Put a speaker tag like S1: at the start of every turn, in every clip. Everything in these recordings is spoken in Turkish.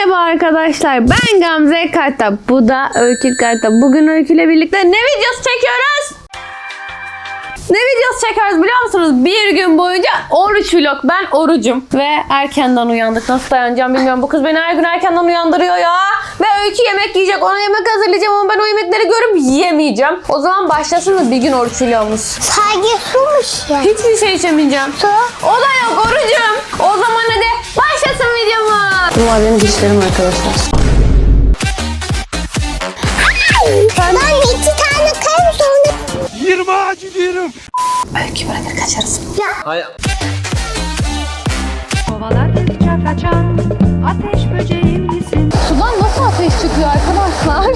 S1: Merhaba arkadaşlar, ben Gamze Karta, bu da Öykü Karta. Bugün Öykü ile birlikte ne videosu çekiyoruz? Ne videosu çekiyoruz biliyor musunuz? Bir gün boyunca oruç vlog. Ben orucum ve erkenden uyandık. Nasıl dayanacağım bilmiyorum. Bu kız beni her gün erkenden uyandırıyor ya. Ve Öykü yemek yiyecek. Ona yemek hazırlayacağım ama ben o yemekleri görüp yiyemeyeceğim. O zaman başlasın mı bir gün oruç vlogumuz?
S2: Sadece sumuş ya.
S1: Hiçbir şey içemeyeceğim.
S2: Su.
S1: O da yok, orucum. O zaman hadi başlasın videomuz. Bunlar benim dişlerim arkadaşlar.
S2: Ben 2 tane kayım sonra.
S3: 20 ağacı diyorum.
S1: Öykü bırakır kaçarız.
S3: Hayır.
S4: Kovaladıkça kaçan ateş böceğim misin?
S1: Sudan nasıl ateş çıkıyor arkadaşlar?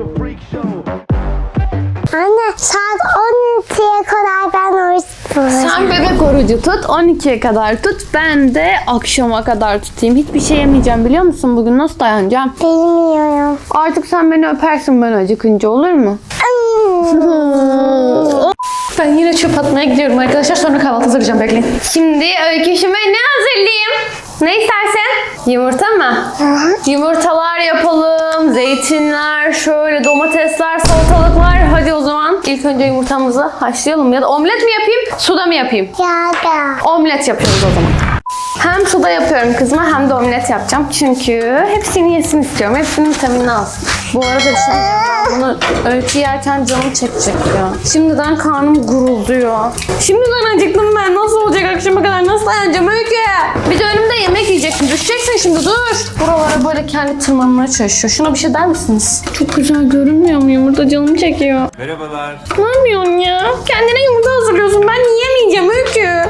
S2: Anne saat 12'ye kadar ben oruç tutacağım.
S1: Sen bebek orucu tut, 12'ye kadar tut. Ben de akşama kadar tutayım. Hiçbir şey yemeyeceğim biliyor musun? Bugün nasıl dayanacağım?
S2: Bilmiyorum.
S1: Artık sen beni öpersin ben acıkınca, olur mu? Ben yine çöp atmaya gidiyorum arkadaşlar. Sonra kahvaltı hazırlayacağım, bekleyin. Şimdi Öyküşüme ne hazırlayayım? Ne istersen? Yumurta mı? Yumurtalar yapalım. Zeytinler, şöyle domatesler, salatalıklar. Hadi o zaman ilk önce yumurtamızı haşlayalım. Ya da omlet mi yapayım, suda mı yapayım?
S2: Ya da.
S1: Omlet yapıyoruz o zaman. Hem suda yapıyorum kızıma hem de omlet yapacağım. Çünkü hepsini yesin istiyorum. Hepsinin vitaminini alsın. Bu arada bir şey diyeceğim. Bunu Öykü yerken canım çekecek ya. Şimdiden karnım gurulduyor. Şimdiden acıktım ben. Nasıl olacak akşama kadar? Nasıl dayanacağım Öykü? Bir de önümde yemek yiyeceksin. Düşeceksin şimdi, dur. Buralara böyle kendi tırmanmaya çalışıyor. Şuna bir şey der misiniz? Çok güzel görünmüyor mu? Yumurta canım çekiyor.
S3: Merhabalar.
S1: Ne yapıyorsun ya? Kendine yumurta hazırlıyorsun. Ben yiyemeyeceğim Öykü.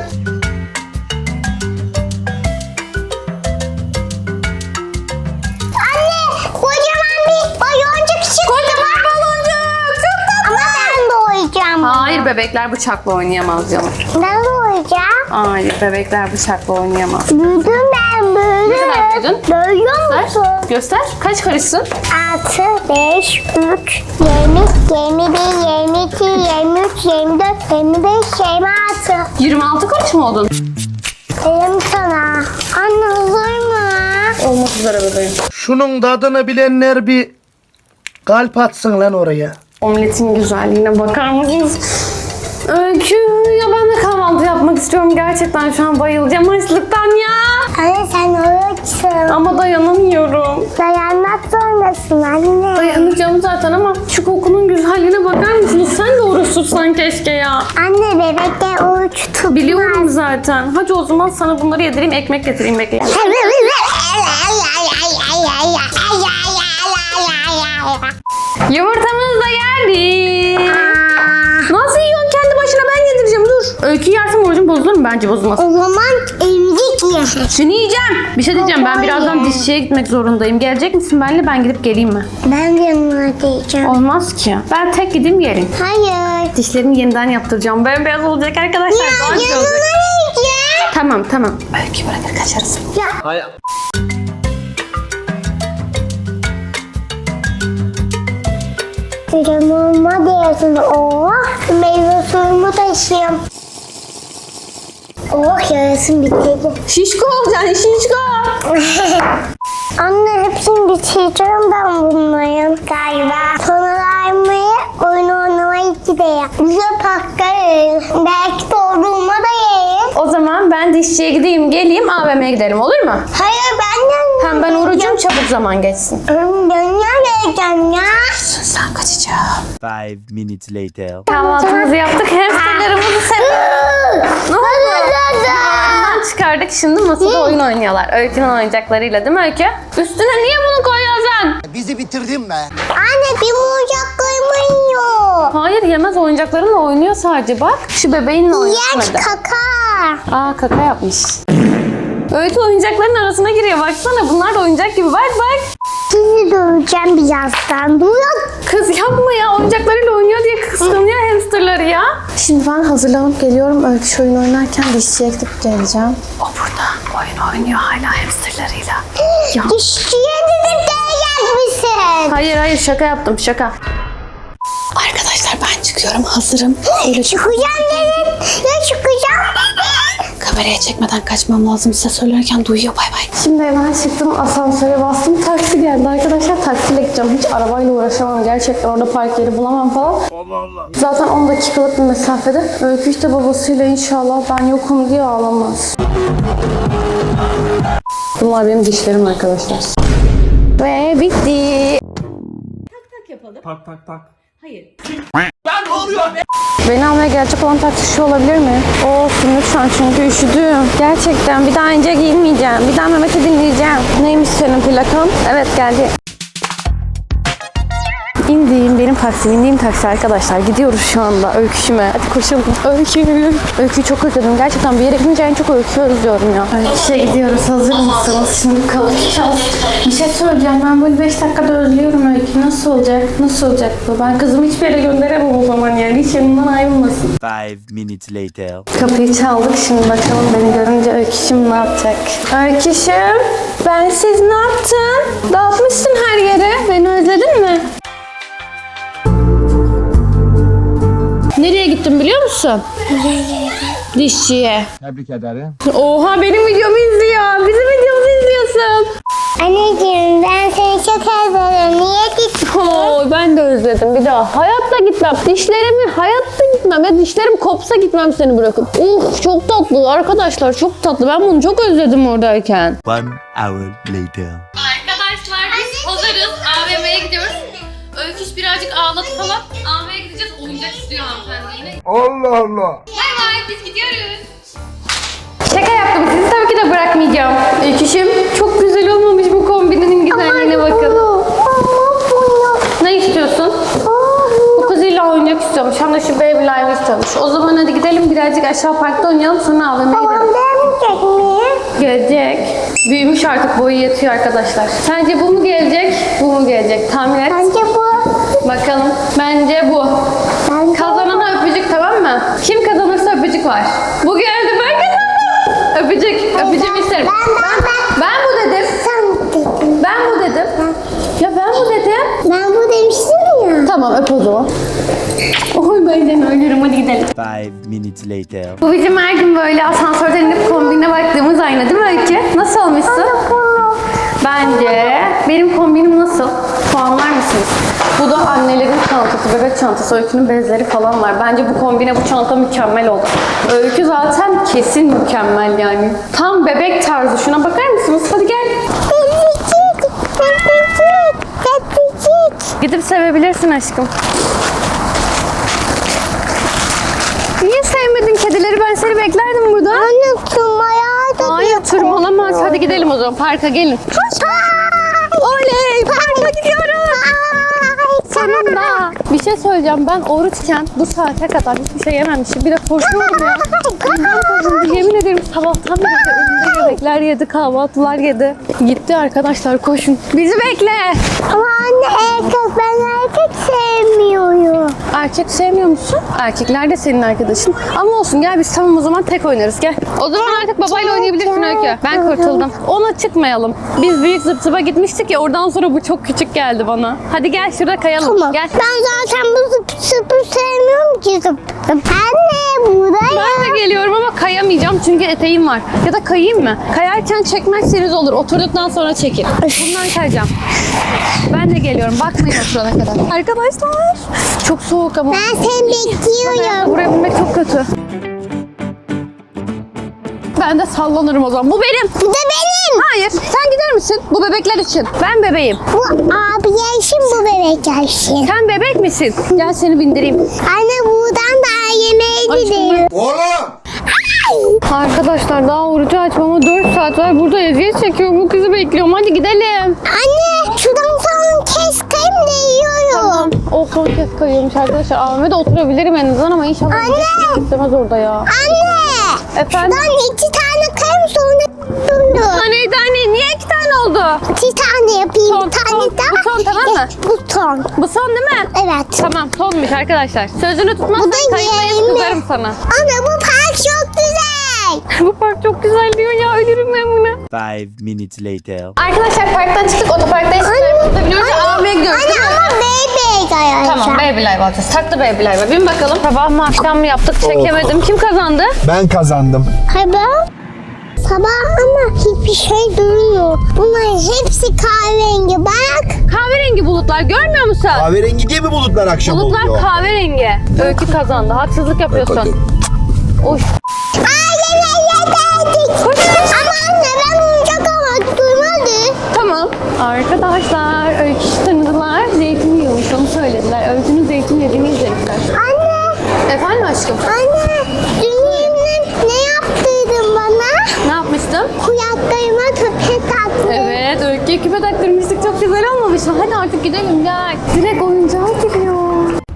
S2: Kocaman bir baloncuk çıktı.
S1: Kocaman baloncuk. Çok tatlı.
S2: Ama ben de oyacağım.
S1: Hayır, bebekler bıçakla oynayamaz canım.
S2: Ben de oyacağım.
S1: Hayır, bebekler bıçakla oynayamaz.
S2: Büyüdüm ben böyle.
S1: Ne kadar büyüdün?
S2: Görüyor musun?
S1: Göster. Kaç karışsın?
S2: 6, 5, 3, 20, 21, 22, 23, 24, 25, 26.
S1: 26 karış mı oldun?
S2: Dedim sana. Anne hazır mı?
S1: Olmak üzere bebeğim.
S3: Şunun tadını bilenler bir kalp atsın lan oraya.
S1: Omletin güzelliğine bakar mısınız? Öykü, ya ben de kahvaltı yapmak istiyorum. Gerçekten şu an bayılacağım açlıktan ya.
S2: Anne sen oruçsun.
S1: Ama dayanamıyorum.
S2: Dayanmak zorundasın anne.
S1: Dayanacağım zaten ama şu kokunun güzelliğine bakar mısınız? Sen de oruç tutsan keşke ya.
S2: Anne bebekte oruç tutmaz.
S1: Biliyorum zaten. Hadi o zaman sana bunları yedireyim, ekmek getireyim, bekleyin. Yumurtamız da geldi. Nasıl yiyorsun kendi başına, ben yedireceğim, dur. Öykü yersem orucum bozulur mu? Bence bozulmaz.
S2: O zaman emzik ye.
S1: Şunu yiyeceğim. Bir şey diyeceğim, ben birazdan dişçiye gitmek zorundayım. Gelecek misin benimle, ben gidip geleyim mi?
S2: Ben de yanına diyeceğim.
S1: Olmaz ki. Ben tek gideyim geleyim.
S2: Hayır.
S1: Dişlerimi yeniden yaptıracağım. Bembeyaz olacak arkadaşlar. Daha güzel
S2: Yanına
S1: olacak.
S2: yiyeceğim.
S1: Tamam tamam. Öykü bırakır kaçarız.
S3: Hayır.
S2: Kremama diyorsun. Oh. Meyve suyumu taşıyayım. Oh yarasın bitirdi.
S1: Şişko olacaksın, şişko.
S2: Anne hepsini bitireceğim ben bunların galiba. Sonra aymayı oyun oynamaya gideyim. Bize patlarız. Belki doğduğuma da yeriz.
S1: O zaman ben dişçiye gideyim geleyim, AVM'ye gidelim, olur mu?
S2: Hayır ben de...
S1: Hem ben orucum, çabuk zaman geçsin.
S2: Dünya geleceğim ya.
S1: Sen kaçacağım.
S5: 5 minutes later.
S1: Kahvaltımızı yaptık, hamsterlarımızı seviyoruz. Ne oldu? Ondan çıkardık, şimdi masada oyun oynuyorlar. Öykü'nün oyuncaklarıyla, değil mi Öykü? Üstüne niye bunu koyuyorsun?
S6: Bizi bitirdin be.
S2: Anne bir oyuncaklarımı yiyor.
S1: Hayır, yemez, oyuncaklarınla oynuyor sadece, bak. Şu bebeğinle oynamadı.
S2: Yer kaka.
S1: Aa, kaka yapmış. Öykü oyuncakların arasına giriyor, baksana. Bunlar da oyuncak gibi, bak bak.
S2: Sizi döveceğim birazdan. Durun.
S1: Kız yapma ya, oyuncaklarıyla oynuyor diye kıskanıyor hamsterları ya. Şimdi ben hazırlanıp geliyorum. Öykü şu oyun oynarken dişçiye gidip geleceğim. O burada oyun oynuyor hala hamsterlarıyla. Ya.
S2: Dişçiye gidip gelecek misin?
S1: Hayır hayır, şaka yaptım, şaka. Arkadaşlar ben çıkıyorum, hazırım. Öyle
S2: Çıkacağım dedin. Ya çıkacağım dedin.
S1: Kamera kameraya çekmeden kaçmam lazım. Size söylerken duyuyor. Bay bay. Şimdi hemen çıktım. Asansöre bastım. Taksi geldi arkadaşlar. Taksiyle gideceğim. Hiç arabayla uğraşamam. Gerçekten orada park yeri bulamam falan. Zaten 10 dakikalık bir mesafede. Öykü işte babasıyla inşallah ben yokum diye ağlamaz. Bunlar benim dişlerim arkadaşlar. Ve bitti. Beni almaya gelecek olan taksi şu olabilir mi? Olsun lütfen çünkü üşüdüm. Gerçekten bir daha ince giyinmeyeceğim. Bir daha Mehmet'i dinleyeceğim. Neymiş senin plakan? Evet geldi. Benim taksim, indiğim taksi arkadaşlar. Gidiyoruz şu anda Öyküşüme. Hadi koşalım. Öyküyü çok özledim. Gerçekten bir yere gidince en çok Öyküyü özlüyorum ya. Öyküşe gidiyoruz. Hazır mısınız? Şimdi kavuşacağız. Bir şey söyleyeceğim. Ben böyle 5 dakikada özlüyorum Öykü. Nasıl olacak? Nasıl olacak bu? Ben kızımı hiçbir yere gönderemem o zaman yani. Hiç yanından ayrılmasın.
S5: 5 minutes later.
S1: Kapıyı çaldık. Şimdi bakalım beni görünce Öyküşüm ne yapacak? Öyküşüm, ben siz ne yaptın? Dağıtmışsın her yere. Beni özledin mi? Nereye gittin biliyor musun? Dişçiye.
S6: Tebrik ederim.
S1: Oha benim videomu izliyor. Bizim videomuzu izliyorsun.
S2: Anneciğim ben seni çok özledim. Niye gittin?
S1: Oo, ben de özledim bir daha. Hayatta gitmem. Dişlerimi hayatta gitmem. Ya dişlerim kopsa gitmem seni bırakıp. Uf çok tatlı arkadaşlar, çok tatlı. Ben bunu çok özledim oradayken.
S5: 1 hour later.
S1: Arkadaşlar biz hazırız. AVM'ye gidiyoruz. Öyküş birazcık ağladı falan. AVM'ye gideceğiz. Oyuncak istiyor hanımefendi yine.
S6: Allah Allah.
S1: Bay bay biz gidiyoruz. Şaka yaptım. Sizi tabii ki de bırakmayacağım. Öyküşüm çok güzel olmamış bu kombininin güzelliğine bakın. Ne istiyorsun? Bu kız illa oyuncak istiyormuş. Hem de şu Baby Live istiyormuş. O zaman hadi gidelim birazcık aşağı parkta oynayalım sonra AVM'ye gidelim.
S2: Gelmeyecek mi?
S1: Gelecek. Büyümüş artık, boyu yetiyor arkadaşlar. Sence bu mu gelecek, bu mu gelecek? Tahmin et.
S2: Bence bu.
S1: Bakalım. Bence bu.
S2: Bence
S1: Kazanana öpücük, tamam mı? Kim kazanırsa öpücük var. Bu geldi, ben kazandım. Öpücük. Öpücüğümü isterim. Ben bu dedim.
S2: Sen dedin.
S1: Ben bu dedim. Ya ben bu dedim.
S2: Ben bu demiştim ya.
S1: Tamam öp o zaman. Oy ben seni ölürüm, hadi gidelim.
S5: 5 minutes later.
S1: Bu bizim her gün böyle asansörden inip kombine baktığımız ayna değil mi Öykü? Nasıl olmuşsun? Bence benim kombinim nasıl? Puanlar mısınız? Bu da annelerin çantası, bebek çantası, Öykü'nün bezleri falan var. Bence bu kombine, bu çanta mükemmel oldu. Öykü zaten kesin mükemmel yani. Tam bebek tarzı. Şuna bakar mısınız? Hadi gel. Gidip sevebilirsin aşkım. Niye sevmedin kedileri? Ben seni beklerdim burada.
S2: Anne tırmaya da
S1: Hayır tırmalamaz. Hadi gidelim o zaman. Parka gelin. Oley! Parka gidiyoruz. Sonunda. Bir şey söyleyeceğim. Ben oruçken bu saate kadar hiçbir şey yememişim. Bir de koşuyorum ya. Bundan koşuyorum. Yemin ederim sabahtan beri önümde yemekler yedi, kahvaltılar yedi. Gitti arkadaşlar, koşun. Bizi bekle.
S2: Ama anne ben erkek sevmiyorum.
S1: Erkek sevmiyor musun? Erkekler de senin arkadaşın. Ama olsun gel biz tamam o zaman tek oynarız gel. O zaman artık babayla oynayabilirsin Öykü. Ben kurtuldum. Ona çıkmayalım. Biz büyük zıp zıpa gitmiştik ya, oradan sonra bu çok küçük geldi bana. Hadi gel şurada kayalım.
S2: Tamam.
S1: Gel.
S2: Ben zaten bu zıpı sevmiyorum ki zıp. Anne buraya.
S1: Ben de geliyorum ama kayamayacağım çünkü eteğim var. Ya da kayayım mı? Kayarken çekmezseniz olur. Oturduktan sonra çekin. Bundan kayacağım. Ben de geliyorum. Bakmayın oturana kadar. Arkadaşlar. Çok soğuk ama.
S2: Ben seni bekliyorum.
S1: Buraya binmek çok kötü. Ben de sallanırım o zaman. Bu benim.
S2: Bu da benim.
S1: Hayır. Sen gider misin? Bu bebekler için. Ben bebeğim.
S2: Bu abi yaşım, bu bebek yaşım.
S1: Sen bebek misin? Gel seni bindireyim.
S2: Anne buradan da yemeğe gidiyor.
S1: Arkadaşlar daha orucu açmama 4 saat var. Burada eziyet çekiyorum. Bu kızı bekliyorum. Hadi gidelim.
S2: Anne şuradan son kez kayım da yiyorum.
S1: O son kez kayıyormuş arkadaşlar. AVM'de oturabilirim en azından ama inşallah
S2: Anne!
S1: istemez orada ya.
S2: Anne.
S1: Efendim?
S2: Şuradan 2 tane kayım sonra durdu.
S1: Anne niye 2 tane oldu?
S2: 2 tane yapayım.
S1: Son,
S2: Bir tane
S1: son.
S2: daha.
S1: Bu son, tamam mı?
S2: Bu son.
S1: Bu son değil mi?
S2: Evet.
S1: Tamam sonmuş arkadaşlar. Sözünü tutmazsan
S2: Bu da
S1: kayıtlayıp
S2: yeğenim.
S1: kızarım sana.
S2: Anne bu park çok güzel. bebek.
S1: Bu park çok güzel diyor ya. Ölürüm ben buna.
S5: 5 minutes later.
S1: Arkadaşlar parktan çıktık. Otoparkta eşyalarımızı biniyoruz. AVM'ye gidiyoruz.
S2: Anne ama bebek arkadaşlar.
S1: Tamam Baby Life alacağız. Taklı Baby Life. Bin bakalım. Sabah mı akşam mı yaptık çekemedim. Kim kazandı?
S6: Ben kazandım.
S2: Sabah ama hiçbir şey durmuyor. Bunların hepsi kahverengi bak.
S1: Kahverengi bulutlar görmüyor musun?
S6: Kahverengi diye mi bulutlar akşam
S1: Bulutlar
S6: oluyor?
S1: kahverengi. Öykü kazandı. Haksızlık yapıyorsun. Oy. Koş.
S2: Ama anne ben oyuncak almak duymadı.
S1: Tamam. Arkadaşlar Öykü tanıdılar. Zeytin yiyormuş onu söylediler. Öykünün zeytin yediğini izlediler.
S2: Anne,
S1: Efendim aşkım?
S2: anne dün ne yaptıydın bana?
S1: Ne yapmıştım?
S2: Kulaklarıma küpe taktın.
S1: Evet Öykü'ye küpe taktırmıştık. Çok güzel olmamış mı? Hadi artık gidelim gel. Direkt oyuncağa gidiyor.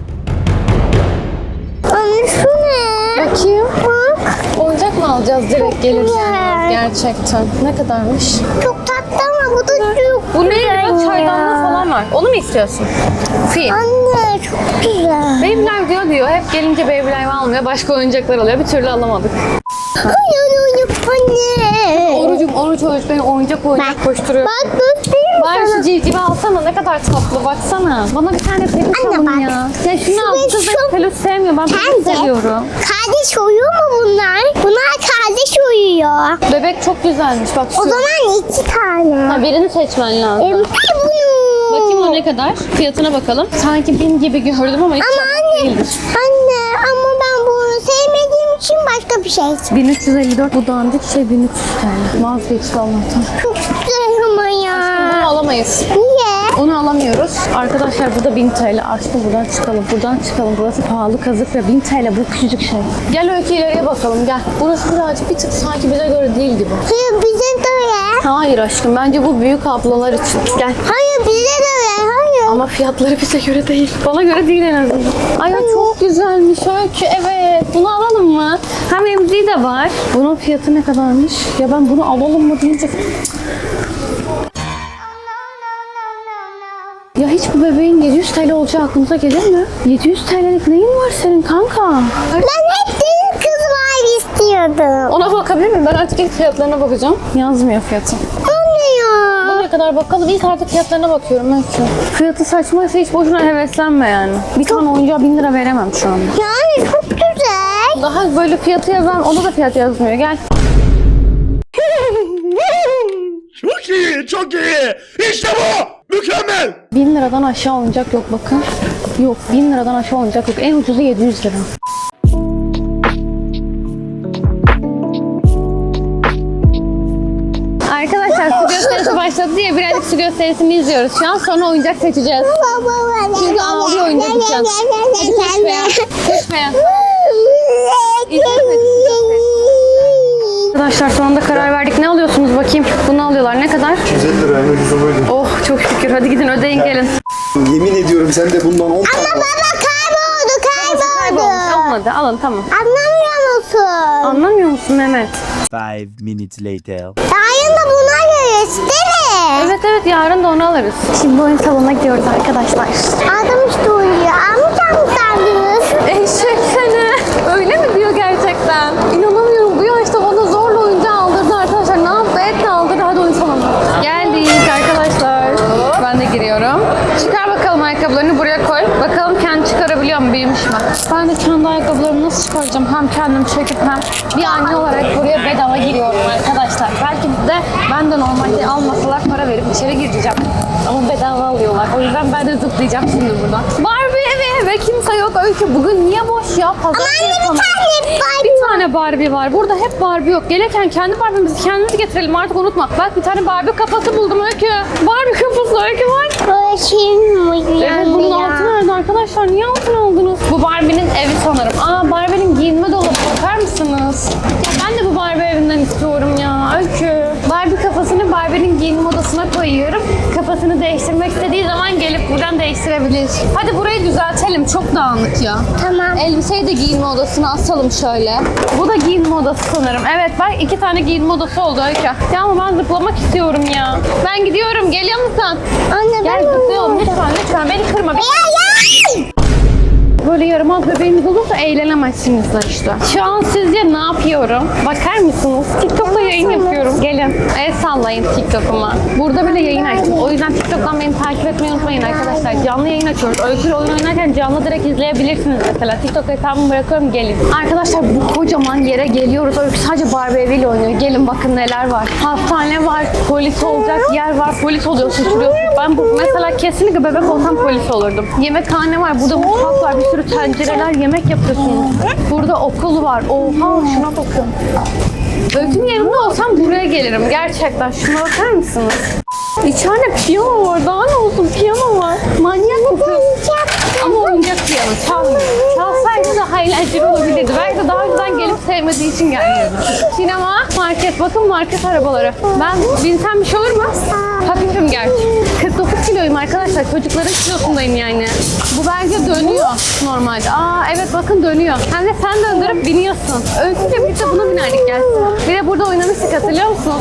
S2: Anne şu ne?
S1: Bakayım.
S2: Bak.
S1: Oyuncak mı alacağız direkt gelirken?
S2: güzel.
S1: Gerçekten. Ne kadarmış?
S2: Çok tatlı ama bu da çok
S1: Bu ne?
S2: güzel
S1: Biraz
S2: ya.
S1: çaydanlığı falan var. Onu mu istiyorsun? Fil.
S2: Anne çok güzel.
S1: Babylife diyor. Hep gelince Babylife almıyor. Başka oyuncaklar alıyor. Bir türlü alamadık.
S2: Hayır anne.
S1: Oruç beni oyuncak koşturuyor.
S2: Bak göstereyim
S1: Bari şu
S2: sana.
S1: civcivi alsana ne kadar tatlı baksana. Bana bir tane peluş
S2: Anne
S1: alın
S2: bak.
S1: ya. Ya şunu al.
S2: Peluş
S1: Kız
S2: çok-
S1: peluş sevmiyor. Ben peluş
S2: Bence
S1: seviyorum.
S2: kardeş uyuyor mu bunlar? Bunlar kardeş uyuyor.
S1: Bebek çok güzelmiş bak şu.
S2: O zaman 2 tane.
S1: Ha, birini seçmen lazım.
S2: Bunu.
S1: Bakayım o ne kadar? Fiyatına bakalım. Sanki 1000 gibi gördüm ama hiç
S2: Ama anne,
S1: değildir.
S2: anne ama ben bunu sevmediğim için başka bir şey istiyorum.
S1: 1354 bu dandik şey 1300 TL. Vazgeçti Allah'tan.
S2: Çok güzel ama ya.
S1: Bunu alamayız.
S2: Niye?
S1: Onu alamıyoruz. Arkadaşlar burada 1000 TL. Aşkım buradan çıkalım. Buradan çıkalım. Burası pahalı kazık ve 1000 TL bu küçücük şey. Gel Öykü ileriye bakalım gel. Burası birazcık bir tık sanki bize göre değil gibi.
S2: Hayır bize de öyle.
S1: Hayır aşkım bence bu büyük ablalar için. Gel.
S2: Hayır bize de öyle. Hayır.
S1: Ama fiyatları bize göre değil. Bana göre değil en azından. Ay ya çok güzelmiş Öykü. Evet. Bunu alalım mı? Hem emziği de var. Bunun fiyatı ne kadarmış? Ya ben bunu alalım mı deyince... Ya hiç bu bebeğin 700 TL olacağı aklınıza gelir mi? 700 TL'lik neyin var senin kanka?
S2: Ben hep deniz kız var istiyordum.
S1: Ona bakabilir miyim? Ben artık ilk fiyatlarına bakacağım. Yazmıyor fiyatı.
S2: Anne ya.
S1: Bu ne kadar bakalım? İlk artık fiyatlarına bakıyorum Öykü. Fiyatı saçmaysa hiç boşuna heveslenme yani. Bir tane oyuncağa 1000 lira veremem şu anda.
S2: Yani çok güzel.
S1: Daha böyle fiyatı yazan, onda da fiyat yazmıyor. Gel.
S6: Çok iyi, çok iyi. İşte bu. Mükemmel.
S1: 1000 liradan aşağı oyuncak yok bakın. Yok 1000 liradan aşağı oyuncak yok. En ucuzu 700 lira. Arkadaşlar su gösterisi başladı diye birazcık su gösterisini izliyoruz şu an. Sonra oyuncak seçeceğiz. Çünkü ağlıyor oyuncak için. Hadi koş be ya. Koş be ya. Arkadaşlar sonunda karar verdik. Ne alıyorsunuz bakayım? Bunu alıyorlar. Ne kadar?
S6: 150 lira en ucuzu buydu.
S1: Oh çok şükür. Hadi gidin ödeyin gelin.
S6: Yemin ediyorum sen de bundan 10 tane al.
S2: Baba kayboldu.
S1: Kaybolmuş. Olmadı. Alın tamam.
S2: Anlamıyor musun?
S1: Anlamıyor musun Mehmet?
S5: 5 minutes later.
S2: Yarın da buna görürüz değil mi?
S1: Evet yarın da onu alırız. Şimdi oyun salonuna gidiyoruz arkadaşlar.
S2: Adam işte uyuyor. Almayacak mısınız?
S1: Eşek seni. Öyle mi diyor gerçekten? İnanamıyorum. Bu yaşta bana zorla oyuncağı aldırdı arkadaşlar. Ne yaptı? Etle aldırdı. Hadi oyun salonuna. Geldik arkadaşlar. Ben de giriyorum. Çıkar bakalım ayakkabılarını buraya koy. Bakalım kendi çıkarabiliyor mu? Büyümüş mü? Ben de kendi ayakkabılarımı nasıl çıkaracağım? Hem kendim çekip hem bir anne olarak buraya bedava giriyorum arkadaşlar. Belki de ben de normalde almasalar para verip içeri gireceğim. Ama bedava alıyorlar. O yüzden ben de zıplayacağım şimdi buradan. Barbie evi ve kimse yok. Öykü bugün niye boş ya? Pazar
S2: Anne bir
S1: yapalım.
S2: tane Barbie.
S1: Bir tane Barbie var. Burada hep Barbie yok. Gelirken kendi Barbie'mizi kendimiz getirelim artık unutma. Bak bir tane Barbie kafası buldum Öykü. Barbie kafası Öykü var.
S2: Bakayım mı?
S1: Evet bunun altı nerede arkadaşlar? Niye altın aldınız? Bu Barbie'nin evi sanırım. Aa Barbie'nin giyinme dolabı bakar mısınız? Ya ben de bu Barbie evinden istiyorum ya Öykü. Barbie kafasını Barbie'nin giyinme odasına koyuyorum. Kafasını değiştirmek istediği zaman gelip buradan değiştirebilir. Hadi burayı düzeltelim. Çok dağınık ya.
S2: Tamam.
S1: Elbiseyi de giyinme odasına asalım şöyle. Bu da giyinme odası sanırım. Evet bak 2 tane giyinme odası oldu Öykü. Ya ama ben zıplamak istiyorum ya. Ben gidiyorum. Geliyor musun?
S2: Anne
S1: Gel
S2: ben
S1: zıplayalım
S2: uyuyorum.
S1: lütfen. Beni kırma.
S2: Ya.
S1: böyle yaramaz bebeğiniz olursa eğlenemezsiniz de işte. Şu an sizce ne yapıyorum? Bakar mısınız? TikTok'ta yayın yapıyorum. Gelin. El sallayın TikTok'uma. Burada bile yayın açtım. O yüzden TikTok'tan beni takip etmeyi unutmayın arkadaşlar. Canlı yayın açıyoruz. Öyküyle oyun oynarken canlı direkt izleyebilirsiniz mesela. TikTok hesabımı bırakıyorum, gelin. Arkadaşlar bu kocaman yere geliyoruz. Öykü sadece Barbie eviyle oynuyor. Gelin bakın neler var. Hastane var, polis olacak yer var. Polis oluyorsun, şuruyorsun. Ben mesela kesinlikle bebek olsam polis olurdum. Yemekhane var, burada mutfak var, bir sürü tencereler, yemek yapıyorsunuz. Burada okul var. Oha, şuna bakın. Öykünün yerinde olsam buraya gelirim. Gerçekten şuna bakar mısınız? İçeride piyano var. Daha ne olsun, piyano var. Manyak mısın? Ama oyuncak piyano çalmıyor. Çalsaydı daha eğlenceli olabilirdi. Belki de daha önceden gelip sevmediği için gelmiyordu. Sinema, market. Bakın market arabaları. Ben binsem bir şey olur mu? Hafifim gerçi. 49 kiloyum arkadaşlar. Çocukların kilosundayım yani. Bu belge dönüyor normalde. Aa evet bakın dönüyor. Hem de sen döndürüp biniyorsun. Öyküyle birlikte buna binerdik gelsin. Bir de burada oynamıştık, hatırlıyor musunuz?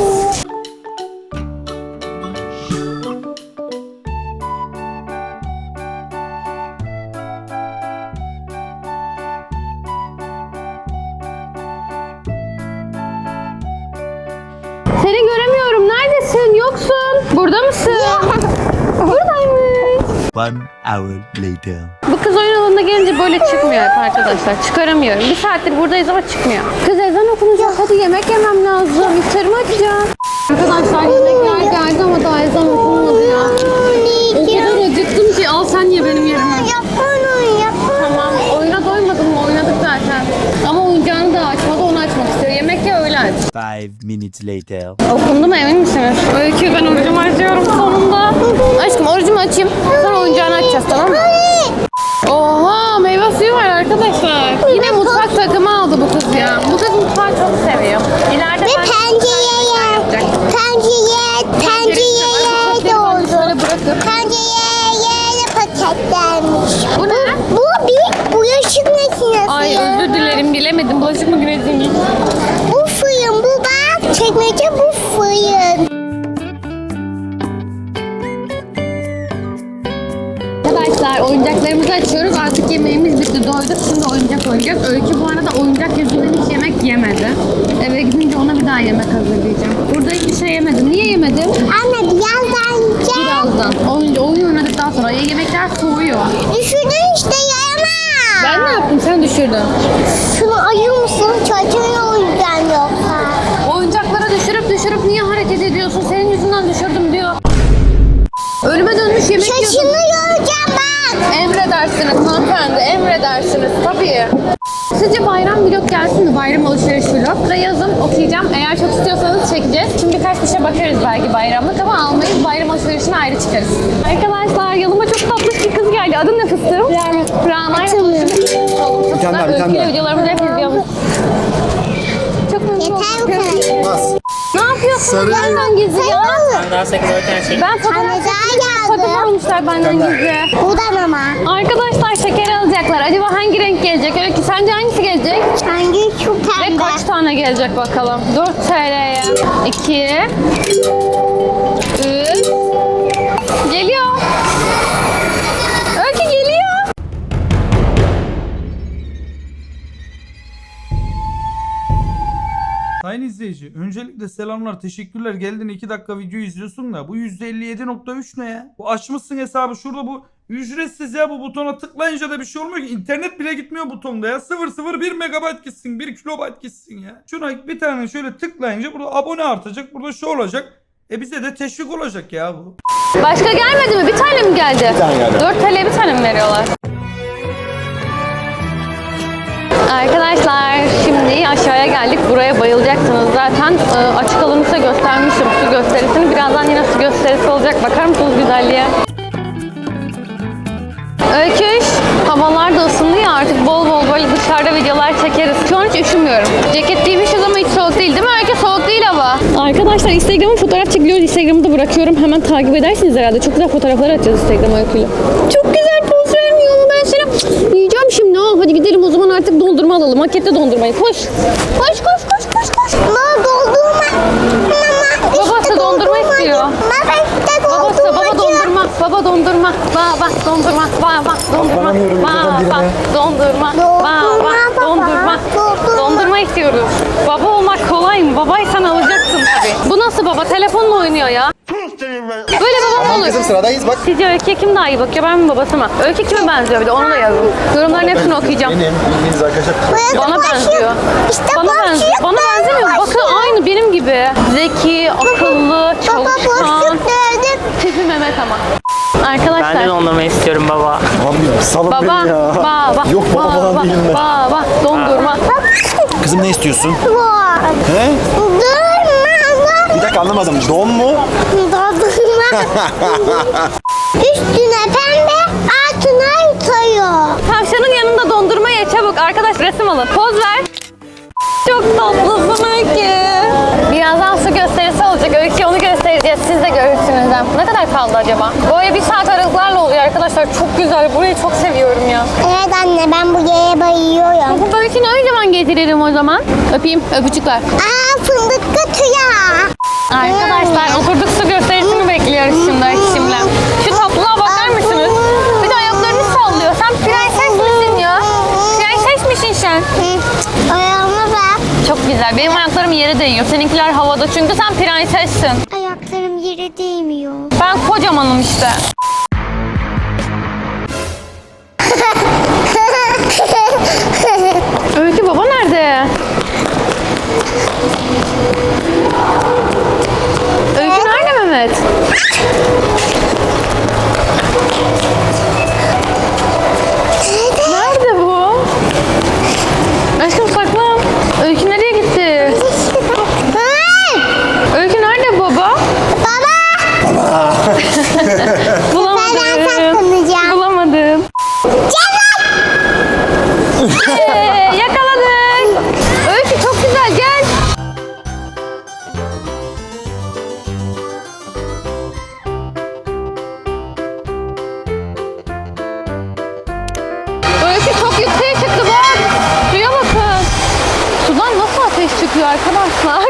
S1: Seni göremiyorum. Neredesin? Yoksun. Burada mısın? Buradaymış.
S5: 1 hour later.
S1: Bu kız oyun alanına gelince böyle çıkmıyor hep arkadaşlar. Çıkaramıyorum. Bir saattir buradayız ama çıkmıyor. Kız ezan okunacak. Hadi yemek yemem lazım. İftarımı açacağım. Arkadaşlar yemekler geldi ama daha ezan okunmadı ya. O kadar acıktım ki al sen ye benim yerime. Tamam. Oyuna doymadın mı? Oynadık zaten. Ama oyuncağını da açmadı. Onu açmak istiyor. Yemek ye öyle aç.
S5: 5 minutes later.
S1: Okundu mu, emin misiniz? Öykü, ben orucumu açıyorum sonunda. Aşkım orucumu açayım. Sonra oyuncağını açacağız, tamam mı? Oha, meyve suyu var arkadaşlar. Yine mutfak takımı aldı bu kız ya. Bu kız mutfağı çok seviyor. İleride
S2: Ve
S1: ben
S2: pencereye de oldu.
S1: şöyle bırakıp.
S2: Pencereye de paketlenmiş.
S1: Bu ne?
S2: Bu bir bulaşık makinesi.
S1: Ay özür dilerim, bilemedim. Bulaşık makinesi mi?
S2: Bu fırın, bu bak. Çekmece bu fırın.
S1: Arkadaşlar oyuncaklarımızı açıyoruz. Artık yemeğimiz bitti. Doyduk. Şimdi oyuncak oynayacağız. Öykü bu arada oyuncak yüzünden hiç yemek yemedi. Eve gidince ona bir daha yemek hazırlayacağım. Burada hiçbir şey yemedim. Niye yemedim?
S2: Anne birazdan yiyeceğim.
S1: Birazdan. Oyun oynadıktan sonra yemekler soğuyor.
S2: Düşürdün işte yayamam.
S1: Ben ne yaptım? Sen düşürdün.
S2: Şunu ayır mısın? Çocuğun oyuncağın yoksa.
S1: Oyuncaklara düşürüp niye hareket ediyorsun? Senin yüzünden düşürdüm diyor. Ölüme dönmüş yemek yiyorsun.
S2: Şaşını göreceğim bak.
S1: Emredersiniz hanımefendi, emredersiniz tabii. Sizce bayram vlog gelsin mi? Bayram alışveriş vlog. Burada yazın, okuyacağım. Eğer çok istiyorsanız çekeceğiz. Şimdi birkaç bir şey bakarız belki bayramlık ama almayız. Bayram alışverişine ayrı çıkarız. Arkadaşlar yanıma çok tatlı bir kız geldi. Adı ne fıstığım? Rana.
S3: Bir tane daha, bir tane daha.
S1: Videolarımızı hep izliyormuş. Çok memnun oldum.
S2: Yeter bu kadar.
S1: Ne yapıyorsun?
S3: Sarı.
S1: Benden gizli ya.
S7: Daha 8 öten şey.
S1: Ben
S2: Anne
S1: fotoğraf
S2: daha
S1: takım
S2: geldi.
S1: almışlar benden gizli.
S2: Buradan ama.
S1: Arkadaşlar şeker alacaklar. Acaba hangi renk gelecek? Öykü sence hangisi gelecek?
S2: Hangi şu
S1: Ve
S2: pembe?
S1: kaç tane gelecek bakalım? 4 TL'ye. 2 3 Geliyor. Öykü geliyor.
S8: Sayın izleyici, öncelikle selamlar, teşekkürler. Geldin 2 dakika video izliyorsun da bu %57.3 ne ya? Bu açmışsın hesabı şurada, bu ücretsiz ya, bu butona tıklayınca da bir şey olmuyor ki. İnternet bile gitmiyor butonda ya. 001 megabayt gitsin, 1 kilobayt gitsin ya. Şuna bir tane şöyle tıklayınca burada abone artacak, burada şu olacak. Bize de teşvik olacak ya bu.
S1: Başka gelmedi mi? Bir tane mi geldi? Bir tane geldi. 4 TL'ye bir tane mi veriyorlar? Arkadaşlar şimdi aşağıya geldik. Buraya bayılacaksınız zaten. Açık alanı size göstermiştim, su gösterisini. Birazdan yine su gösterisi olacak. Bakar mısınız güzelliğe? Öyküş, havalar da ısındı ya, artık bol bol böyle dışarıda videolar çekeriz. Şu an hiç üşümüyorum. Ceket giymişiz ama hiç soğuk değil mi? Öykü soğuk değil hava. Arkadaşlar Instagram'a fotoğraf çekiliyoruz. Instagram'ı da bırakıyorum. Hemen takip edersiniz herhalde. Çok güzel fotoğraflar atacağız Instagram'a Öykü'yle. Çok güzel poz vermiyor ama ben seni yiyeceğim şimdi. Hadi gidelim o zaman, artık dondurma alalım. Hakette dondurmayı. Koş. Koş.
S2: Mama doldurma. Mama.
S1: Babası dondurma istiyor.
S2: Baba işte
S1: Baba dondurma. Baba dondurma. Baba dondurma. Baba dondurma. Baba dondurma. Baba dondurma. Dondurma istiyoruz. Baba olmak kolay mı? Babaysan alacaksın tabii. Bu nasıl baba? Telefonla oynuyor ya. Böyle babam olur.
S7: Kızım sıradayız bak.
S1: Sizce Öykü'ye kim daha iyi bakıyor? Ben mi babası mı? Öykü kime benziyor bir de onu da yazın. Yorumların hepsini okuyacağım.
S7: Benim bildiğiniz arkadaşlar.
S1: Bana benziyor.
S2: İşte
S1: Bana benziyor. Bana benzemiyor. Bakın aynı benim gibi. Zeki, akıllı, çalışkan.
S2: Gördüm.
S1: Tipi Mehmet ama. Arkadaşlar.
S9: Ben de dondurma istiyorum baba.
S7: Abi salın
S1: Baba,
S7: beni ya.
S1: baba,
S7: Yok baba falan değilim ben.
S1: baba, dondurma.
S7: Kızım ne istiyorsun?
S2: Var.
S7: He?
S2: Durma.
S7: Bir dakika anlamadım. Don mu?
S2: Dondurma. Üstüne pembe, altına yutayım.
S1: Tavşanın yanında dondurma ye çabuk. Arkadaş resim alın. Poz ver. Çok tatlısın Öykü. Birazdan su gösterisi olacak. Öykü onu göstereceğiz. Siz de görürsünüz. Ne kadar kaldı acaba? Böyle 1 saat aralıklarla oluyor arkadaşlar. Çok güzel. Burayı çok seviyorum ya.
S2: Evet anne ben bu yere bayılıyorum.
S1: Bu Öykü'nü ne zaman getiririm o zaman? Öpeyim. Öpücükler.
S2: Aa fındık kötüya.
S1: Arkadaşlar oturduk su gösterisini bekliyoruz şimdi Öykü'mle. Şu tatlılığa bakar mısınız? Bir de ayaklarını sallıyor. Sen prenses misin ya? Prenses misin sen?
S2: Ayağıma bak.
S1: Çok güzel. Benim ayaklarım yere değiyor. Seninkiler havada çünkü sen prensessin.
S2: Ayaklarım yere değmiyor.
S1: Ben kocamanım işte. Öykü baba nerede? Öykü nerede Mehmet? Nerede bu? Aşkım saklan. Öykü nereye gitti? Öykü nerede baba?
S2: Baba.
S1: Bulamadım.
S2: Ben saklanacağım.
S1: Bulamadım. Yakaladık. Öykü çok güzel gel. Öykü çok yükseğe çıktı bak. Suya bakın. Sudan nasıl ateş çıkıyor arkadaşlar?